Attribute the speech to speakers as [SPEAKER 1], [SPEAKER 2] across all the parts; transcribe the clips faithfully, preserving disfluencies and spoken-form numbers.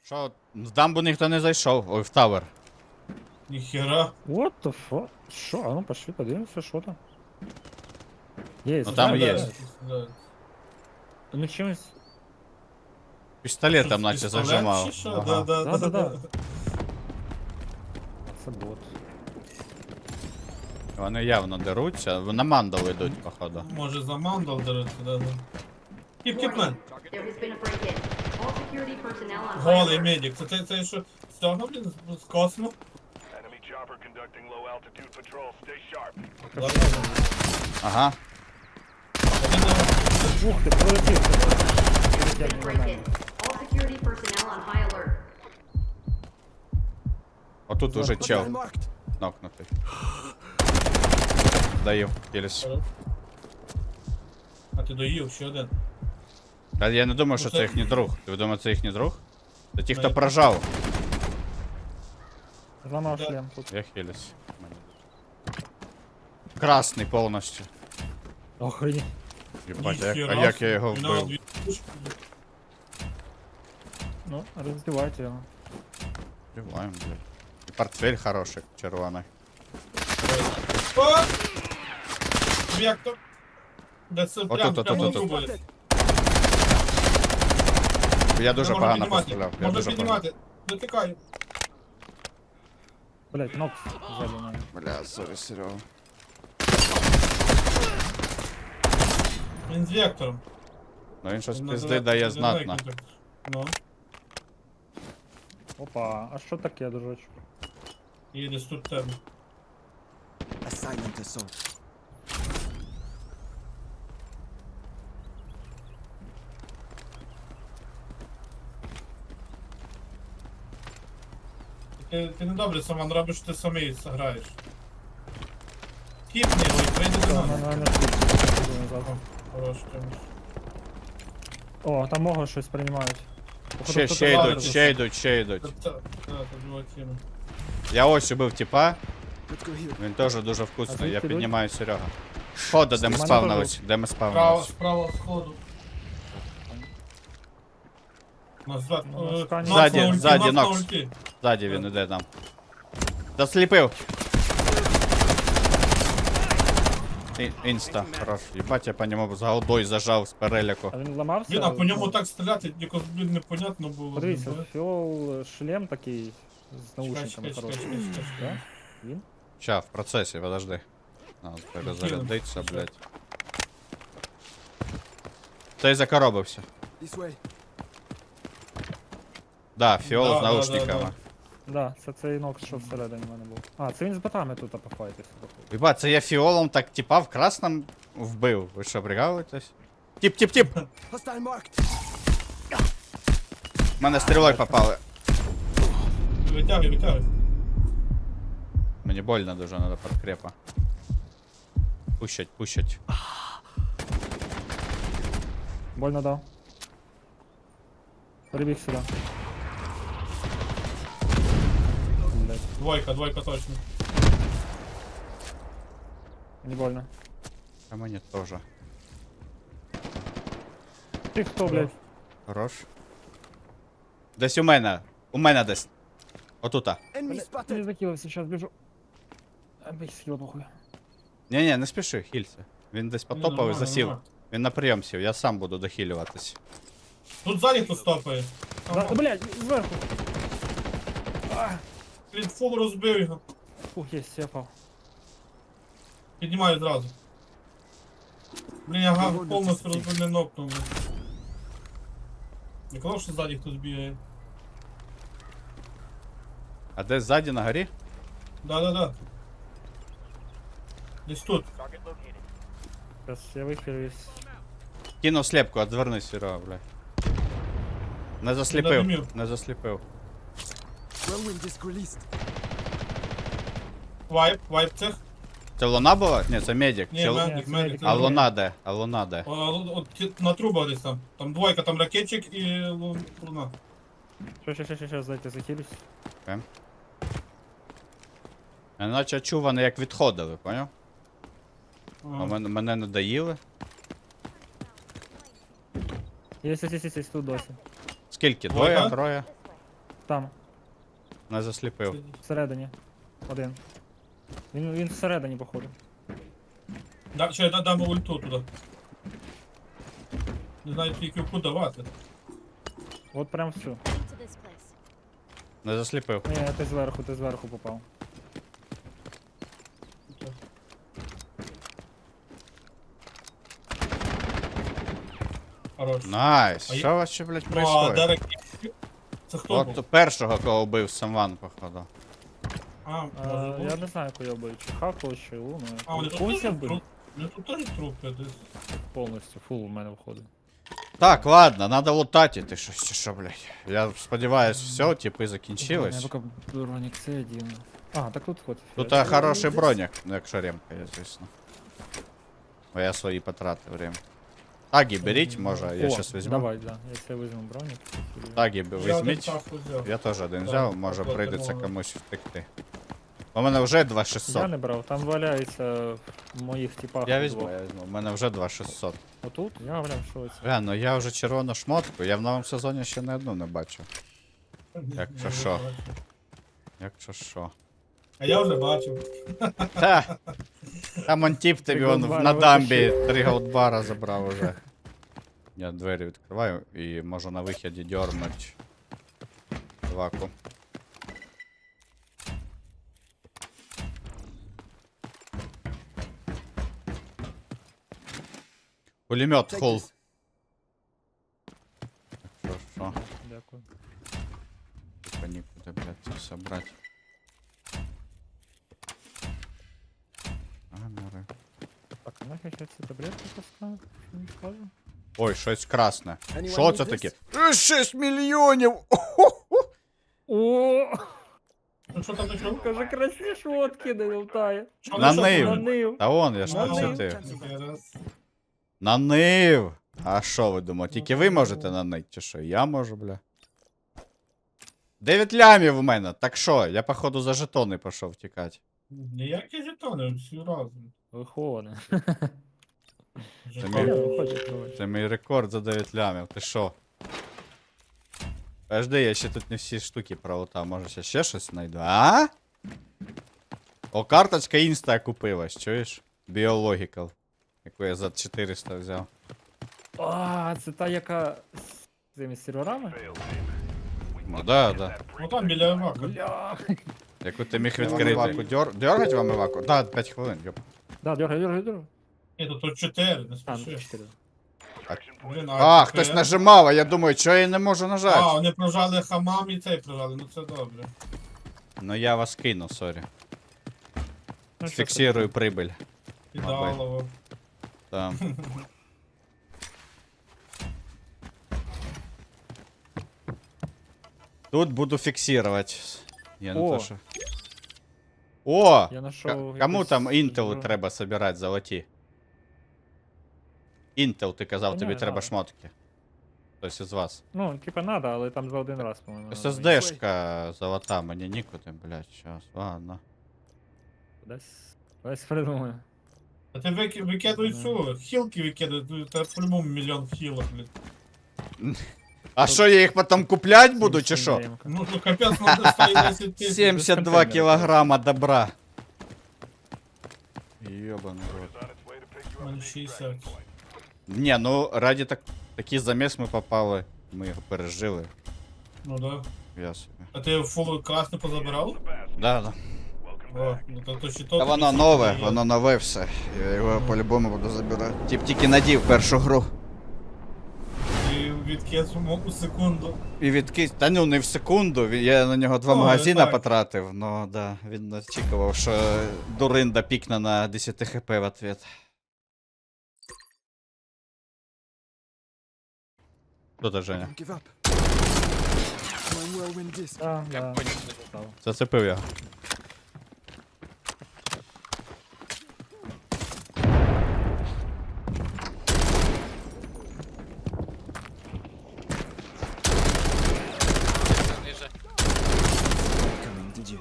[SPEAKER 1] Що, в дамбу ніхто не зайшов, ой, в тавер.
[SPEAKER 2] Ніхера.
[SPEAKER 3] What the fuck? Що? А ну пошли, подивимося, що там. Є,
[SPEAKER 1] Ну, там
[SPEAKER 2] Да,
[SPEAKER 1] є.
[SPEAKER 2] да, да.
[SPEAKER 3] Ну чимось.
[SPEAKER 1] Пістолетом
[SPEAKER 2] Що,
[SPEAKER 1] наче
[SPEAKER 2] пістолет
[SPEAKER 1] зажимав.
[SPEAKER 2] чи що?
[SPEAKER 1] Ага.
[SPEAKER 2] Да, да,
[SPEAKER 3] Да,
[SPEAKER 2] да,
[SPEAKER 3] да,
[SPEAKER 2] да.
[SPEAKER 3] да. Це бот.
[SPEAKER 1] Вони явно деруться, на мандал йдуть, походу.
[SPEAKER 2] Може за мандал дерется, да, да. Кіп, кіп, мен.
[SPEAKER 4] There has been a break-in. All security personnel on high
[SPEAKER 2] Голий
[SPEAKER 4] alert.
[SPEAKER 2] медик. Це це, це що? З цього, блін, з- з косму?
[SPEAKER 5] Enemy chopper conducting low altitude patrol. Stay sharp.
[SPEAKER 2] Ладно.
[SPEAKER 1] Ага.
[SPEAKER 2] Один на-
[SPEAKER 3] Ух ти, пролетів.
[SPEAKER 4] There's been a break-in. All security personnel on high alert.
[SPEAKER 1] Отут уже чел. Нокнутий. Даю, кіліс.
[SPEAKER 2] А ти доїв, ще один.
[SPEAKER 1] Та я не думаю, що
[SPEAKER 2] Ну,
[SPEAKER 1] це
[SPEAKER 2] це-
[SPEAKER 1] їхній друг. Ти думаєш, це їхній друг? Це ті, хто
[SPEAKER 2] Ну,
[SPEAKER 1] прожав.
[SPEAKER 3] Зламав
[SPEAKER 2] Да.
[SPEAKER 3] шлем тут.
[SPEAKER 1] Я хилюсь. Красний повністю.
[SPEAKER 3] Охрені.
[SPEAKER 1] Єбать, а як, а
[SPEAKER 2] Ніхера
[SPEAKER 1] як я його
[SPEAKER 2] собі. Він на
[SPEAKER 1] вбив?
[SPEAKER 2] дві пушки.
[SPEAKER 3] Ну, роздівайте його.
[SPEAKER 1] Вбиваємо, блядь. І портфель хороший, червоний.
[SPEAKER 2] О! Як то? Де це прям,
[SPEAKER 1] Отут,
[SPEAKER 2] прямо
[SPEAKER 1] отут,
[SPEAKER 2] на
[SPEAKER 1] отут.
[SPEAKER 2] трубу.
[SPEAKER 1] Я дуже
[SPEAKER 2] Можна
[SPEAKER 1] погано
[SPEAKER 2] піднімати.
[SPEAKER 1] постріляв. Я
[SPEAKER 2] Можна
[SPEAKER 1] дуже погано.
[SPEAKER 2] піднімати. Дотикаю.
[SPEAKER 3] Блять, нокс ззаді мене.
[SPEAKER 1] Бля, сорі, Серега.
[SPEAKER 2] Він з вектором.
[SPEAKER 1] Ну він щось
[SPEAKER 2] Він
[SPEAKER 1] пізди
[SPEAKER 2] називає-
[SPEAKER 1] дає
[SPEAKER 2] він називає
[SPEAKER 1] знатно.
[SPEAKER 2] вектор. Ну,
[SPEAKER 3] Опа, а що таке, дружочок?
[SPEAKER 2] і десь тут тебе.
[SPEAKER 6] A silent assault.
[SPEAKER 2] Ти, ти не добре сама робиш, що ти самий граєш. Кіпні його і прийде до
[SPEAKER 3] О,
[SPEAKER 2] нас.
[SPEAKER 3] мене не слухає. назад.
[SPEAKER 2] Хорош, Тимош.
[SPEAKER 3] О, там мого щось приймають. Походу,
[SPEAKER 1] Ще,
[SPEAKER 3] хтось
[SPEAKER 1] ще
[SPEAKER 3] лазер
[SPEAKER 1] йдуть,
[SPEAKER 3] зас-
[SPEAKER 1] ще йдуть, ще йдуть.
[SPEAKER 2] Та- та- та, це була тема.
[SPEAKER 1] Я ось убив типа,
[SPEAKER 6] Let's go here.
[SPEAKER 1] він теж дуже
[SPEAKER 3] А
[SPEAKER 1] вкусний.
[SPEAKER 3] звідки
[SPEAKER 1] Я
[SPEAKER 3] йдуть?
[SPEAKER 1] піднімаю Серега. Хода, де ми
[SPEAKER 3] Мене
[SPEAKER 1] спавнились, де ми
[SPEAKER 2] Справа,
[SPEAKER 1] спавнились.
[SPEAKER 2] справа сходу. Назад.
[SPEAKER 3] Ну, на
[SPEAKER 2] е,
[SPEAKER 3] скані.
[SPEAKER 2] Нокс
[SPEAKER 1] Ззаді,
[SPEAKER 2] на ульті,
[SPEAKER 1] ззаді,
[SPEAKER 2] Нокс на
[SPEAKER 1] Нокс.
[SPEAKER 2] ульті.
[SPEAKER 1] Ззаді він іде там. Засліпив. І- Інста, хорош. Єбать, я по ньому з голдой зажав з переляку.
[SPEAKER 3] А він ламався?
[SPEAKER 2] Блін, а по ньому
[SPEAKER 3] Ну,
[SPEAKER 2] так стріляти, якось, блін, непонятно було.
[SPEAKER 3] Подивіться,
[SPEAKER 2] блін,
[SPEAKER 3] фіол шлем такий з
[SPEAKER 2] да? Чекай,
[SPEAKER 3] наушниками
[SPEAKER 2] чекай, чекай,
[SPEAKER 3] хороший.
[SPEAKER 2] чекай, чекай.
[SPEAKER 3] Да? Він?
[SPEAKER 1] Ща, в процесі, подожди. Надо перезарядитися, блядь. Той закоробився.
[SPEAKER 6] This way.
[SPEAKER 1] Да, фіол
[SPEAKER 2] Да,
[SPEAKER 1] з
[SPEAKER 2] да,
[SPEAKER 1] наушниками.
[SPEAKER 2] да,
[SPEAKER 3] Да, це цей нокс, що всередині в мене був. А, це він з ботами тут пофайтився.
[SPEAKER 1] Єбать, це я фіолом так типа в красному вбив. Ви що, прикалуєтесь? Тіп, тіп, тіп!
[SPEAKER 6] Hostile marked.
[SPEAKER 1] В мене стрілою попали.
[SPEAKER 2] Витягуй, витягуй.
[SPEAKER 1] Мені больно дуже, надо подкрепа. Пущать, пущать.
[SPEAKER 3] Больно дав. Прибіг сюди. Блять,
[SPEAKER 2] Двойка, двойка точно.
[SPEAKER 3] не больно.
[SPEAKER 1] А мені теж.
[SPEAKER 3] Ти хто, блять?
[SPEAKER 1] Хорош. Десь у мене. У мене десь. Отута.
[SPEAKER 6] Enemy
[SPEAKER 3] Не
[SPEAKER 6] spotted.
[SPEAKER 3] закилився, зараз біжу. А, бей, схил, похуй.
[SPEAKER 1] Ні, ні, не спіши, хілься. Він десь потопав і
[SPEAKER 2] нормально,
[SPEAKER 1] засів.
[SPEAKER 2] нормально.
[SPEAKER 1] Він на прийом сів, я сам буду дохилюватись.
[SPEAKER 2] Тут ззаді хто стопає.
[SPEAKER 3] Да, блять, зверху.
[SPEAKER 2] Він фул розбив його.
[SPEAKER 3] Ух, є, сєпав.
[SPEAKER 2] Піднімаю зразу. Блін, я гав
[SPEAKER 6] Довольно
[SPEAKER 2] повністю
[SPEAKER 6] дисциплін.
[SPEAKER 2] розбив не нокнув. блін. Не казав, що ззаді хтось бігає.
[SPEAKER 1] А десь ззаді на горі?
[SPEAKER 2] Да-да-да. Десь тут.
[SPEAKER 5] Target located.
[SPEAKER 3] Зараз я вихилююсь.
[SPEAKER 1] Кинув слепку, отвернись, Серега, бля. Не засліпив,
[SPEAKER 2] Надумів.
[SPEAKER 1] не засліпив.
[SPEAKER 6] Whirlwind disc released.
[SPEAKER 2] Вайп, вайп цех.
[SPEAKER 1] Це луна була? Ні, це медик.
[SPEAKER 2] Ні,
[SPEAKER 1] Це...
[SPEAKER 2] медик,
[SPEAKER 3] Ні,
[SPEAKER 2] медик.
[SPEAKER 3] медик.
[SPEAKER 1] А луна де? А луна де?
[SPEAKER 2] О, о, о, ті- на трубах десь там. Там двойка, там ракетчик і лу- луна.
[SPEAKER 3] Що, що, що, що, що, дайте захилюсь.
[SPEAKER 1] Я наче чув, вони як відходили, поняв? А
[SPEAKER 2] Ага.
[SPEAKER 1] мене, мене не доїли.
[SPEAKER 3] Є, є, є, є, є, тут досі.
[SPEAKER 1] Скільки?
[SPEAKER 2] Двоє?
[SPEAKER 1] Двоє? Троє?
[SPEAKER 3] Там,
[SPEAKER 1] Не засліпив.
[SPEAKER 3] всередині. Один. Він, він всередині, походу.
[SPEAKER 2] Да, ще я дам ульту туди. Не знаю тільки яку давати.
[SPEAKER 3] От прям всю.
[SPEAKER 7] To this place.
[SPEAKER 1] Не засліпив.
[SPEAKER 3] Ні, ти зверху, ти зверху попав.
[SPEAKER 2] Хорош.
[SPEAKER 1] Найс.
[SPEAKER 2] А я-
[SPEAKER 1] Що у вас ще, блядь,
[SPEAKER 2] Ну а
[SPEAKER 1] происходит?
[SPEAKER 2] де ракетчик? Це хто
[SPEAKER 1] От
[SPEAKER 2] був?
[SPEAKER 1] першого, кого вбив Самван, походу.
[SPEAKER 2] А,
[SPEAKER 3] А,
[SPEAKER 2] може
[SPEAKER 3] я
[SPEAKER 2] бути.
[SPEAKER 3] не знаю, кого я вбив. Чи Хаку, чи Луну.
[SPEAKER 2] А, вони тут
[SPEAKER 3] Когось я
[SPEAKER 2] теж
[SPEAKER 3] вбив.
[SPEAKER 2] труп. Ну тут теж трупи десь.
[SPEAKER 3] Повністю, фул у мене виходить.
[SPEAKER 1] Так, ладно, надо лутати ти щось, чи що, блядь. Я сподіваюсь, все, типи
[SPEAKER 3] Я
[SPEAKER 1] закінчились.
[SPEAKER 3] поки бронік це один. А, так тут ход.
[SPEAKER 1] Тут а, хороший броняк, ну якщо ремка є, звісно. Бо я свої потратив рем. Таги беріть, може, я
[SPEAKER 3] О,
[SPEAKER 1] щас візьму.
[SPEAKER 3] Давай, да, я це візьму бронік.
[SPEAKER 1] Таги б-
[SPEAKER 2] Я один
[SPEAKER 1] візьміть.
[SPEAKER 2] тафу взяв.
[SPEAKER 1] Я теж один
[SPEAKER 2] Так,
[SPEAKER 1] взяв, може
[SPEAKER 2] так,
[SPEAKER 1] прийдеться
[SPEAKER 2] такого.
[SPEAKER 1] комусь втекти. У мене вже два
[SPEAKER 3] Я
[SPEAKER 1] шістсот.
[SPEAKER 3] не брав, там валяється в моїх типах.
[SPEAKER 1] Я
[SPEAKER 3] двох.
[SPEAKER 1] візьму, я візьму. У мене вже два шістсот.
[SPEAKER 3] Отут? Я прям в шоці.
[SPEAKER 1] Бля, ну я вже червону шмотку, я в новому сезоні ще не одну не бачив. Якщо
[SPEAKER 2] Я
[SPEAKER 1] що.
[SPEAKER 2] вже бачу.
[SPEAKER 1] Якщо що.
[SPEAKER 2] А я вже бачив.
[SPEAKER 1] Та! Там он тип тобі он
[SPEAKER 3] голдбара
[SPEAKER 1] на дамбі три голдбара забрав уже. Я двері відкриваю і можу на виході дьорнуть ваку. Пулемет
[SPEAKER 6] Take
[SPEAKER 1] хол.
[SPEAKER 6] this.
[SPEAKER 1] Що, що?
[SPEAKER 3] Дякую.
[SPEAKER 1] Типа нікуди, блядь, це все брать. Камери.
[SPEAKER 3] Так, а нахер я ці таблетки поставив? Що не скажу?
[SPEAKER 1] Ой, щось красне.
[SPEAKER 6] Anyone
[SPEAKER 1] Що
[SPEAKER 6] need
[SPEAKER 1] це
[SPEAKER 6] this?
[SPEAKER 1] таке? Е, шість мільйонів!
[SPEAKER 3] О,
[SPEAKER 2] Ну що там таке?
[SPEAKER 3] каже, красні шмотки не лутає.
[SPEAKER 2] Що
[SPEAKER 1] На
[SPEAKER 2] що
[SPEAKER 1] нив.
[SPEAKER 2] там?
[SPEAKER 3] Нанив.
[SPEAKER 1] Та вон, я ж
[SPEAKER 3] На
[SPEAKER 1] не
[SPEAKER 3] нив.
[SPEAKER 1] цитив.
[SPEAKER 2] Таке раз.
[SPEAKER 1] Нанив! А що ви думаєте? Тільки ви можете нанить, чи що? Я можу, бля. Дев'ять лямів у мене. Так що? Я походу за жетони пішов тікати.
[SPEAKER 2] Ніякі жетони, всі разом.
[SPEAKER 3] Виходить.
[SPEAKER 2] Жетони.
[SPEAKER 1] мій-
[SPEAKER 3] Виходить, давай.
[SPEAKER 1] Це мій рекорд за дев'ять лямів. Ти що? Подожди, я ще тут не всі штуки пролутав. Може ще, ще щось знайду. А? О, карточка інста купилась, чуєш? Biological. Яку я за чотириста взяв.
[SPEAKER 3] А, це та, яка з цими серверами?
[SPEAKER 1] Ну да, да.
[SPEAKER 2] Ну там біля Івака.
[SPEAKER 3] Бля.
[SPEAKER 1] Яку ти міг відкрити? Дьор... Дьоргать вам Іваку? Да, п'ять хвилин, йоп.
[SPEAKER 3] Да, дергай, дергай, дергай.
[SPEAKER 2] Ні, тут тут чотири, не
[SPEAKER 3] А, ну
[SPEAKER 2] спіши.
[SPEAKER 3] чотири.
[SPEAKER 2] Блін,
[SPEAKER 1] А,
[SPEAKER 2] тепер-
[SPEAKER 1] хтось нажимав, а я думаю, що я не можу
[SPEAKER 2] А,
[SPEAKER 1] нажати.
[SPEAKER 2] вони прожали хамам і цей прожали, ну це добре.
[SPEAKER 1] Ну я вас кину, сорі.
[SPEAKER 3] Ну, що
[SPEAKER 1] Фіксирую прибыль.
[SPEAKER 2] Ідеалово.
[SPEAKER 1] Там. Тут буду фіксувати. Я не
[SPEAKER 3] О.
[SPEAKER 1] то, що... О!
[SPEAKER 3] Я
[SPEAKER 1] К-
[SPEAKER 3] знайшов.
[SPEAKER 1] Кому
[SPEAKER 3] якусь
[SPEAKER 1] там Intel
[SPEAKER 3] зброю.
[SPEAKER 1] треба собирати золоті? Intel, ти казав,
[SPEAKER 3] Та
[SPEAKER 1] тобі
[SPEAKER 3] ні,
[SPEAKER 1] треба
[SPEAKER 3] надо.
[SPEAKER 1] шмотки. Хтось із вас.
[SPEAKER 3] Ну, типа надо, але там за один раз, по-моєму. надо знайти.
[SPEAKER 1] SSD-шка золота, мені нікуди, блядь, щас, ладно.
[SPEAKER 3] Десь, десь придумаю.
[SPEAKER 2] А ти вики- викидуй цю, хілки викидуй, ну, та по-любому мільйон хілок, блін.
[SPEAKER 1] А що, я їх потім куплять буду, чи що?
[SPEAKER 3] Сімка.
[SPEAKER 2] Ну, ну капець, надо стоїть десять тисяч.
[SPEAKER 1] сімдесят два кілограма добра. Ёбаный рот.
[SPEAKER 2] У мене шістдесят.
[SPEAKER 1] Не, ну раді так, такий заміс ми попали. Ми його пережили.
[SPEAKER 2] Ну да.
[SPEAKER 1] Я собі.
[SPEAKER 2] А ти фул красне позабирав?
[SPEAKER 1] Да, да.
[SPEAKER 2] О, ну то, то ще то.
[SPEAKER 1] Та воно нове, воно нове все. Я його по-любому буду забирати. Тіп тільки надів першу гру.
[SPEAKER 2] І відкинув у секунду.
[SPEAKER 1] І відкис. Та ну не в секунду. він- Я на нього два
[SPEAKER 2] О,
[SPEAKER 1] магазина
[SPEAKER 2] так.
[SPEAKER 1] потратив. Ну да, він не очікував, що дуринда пікне на десять хп в ответ. Хто то Женя?
[SPEAKER 6] Don't give up. My whirlwind disc.
[SPEAKER 3] Да, да. Став.
[SPEAKER 1] Зацепив його.
[SPEAKER 6] Coming, did you?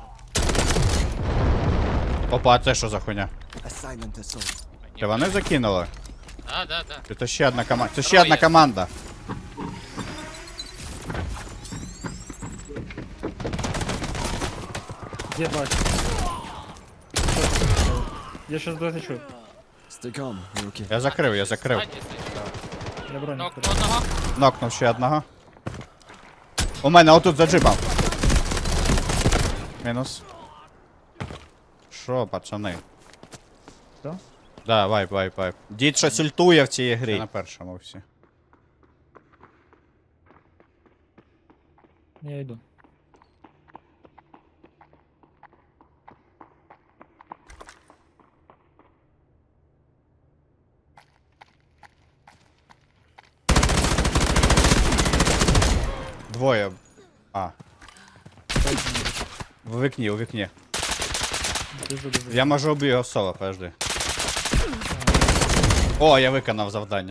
[SPEAKER 1] Опа, а це що за хуйня?
[SPEAKER 6] A silent assault.
[SPEAKER 1] Це вони закинули?
[SPEAKER 8] Да, да, да.
[SPEAKER 1] Чи це ще одна команда? Це ще одна команда.
[SPEAKER 3] Где бачу? Я сейчас дотечу.
[SPEAKER 6] Stay calm, we're okay.
[SPEAKER 1] Я закрив, я закрив.
[SPEAKER 7] Ззаді стоїть.
[SPEAKER 3] Я броню.
[SPEAKER 7] Нок одного.
[SPEAKER 1] Нокнув ще одного. У мене отут за джипом. Мінус. Що, пацани?
[SPEAKER 3] Да?
[SPEAKER 1] Да, вайп, вайп, вайп. Дід щось ультує в цій грі. На першому всі.
[SPEAKER 3] Я йду.
[SPEAKER 1] Двоє. А. В вікні, у вікні.
[SPEAKER 3] Біжу, біжу.
[SPEAKER 1] Я можу уб'ю його в соло, подожди. О, я виконав завдання.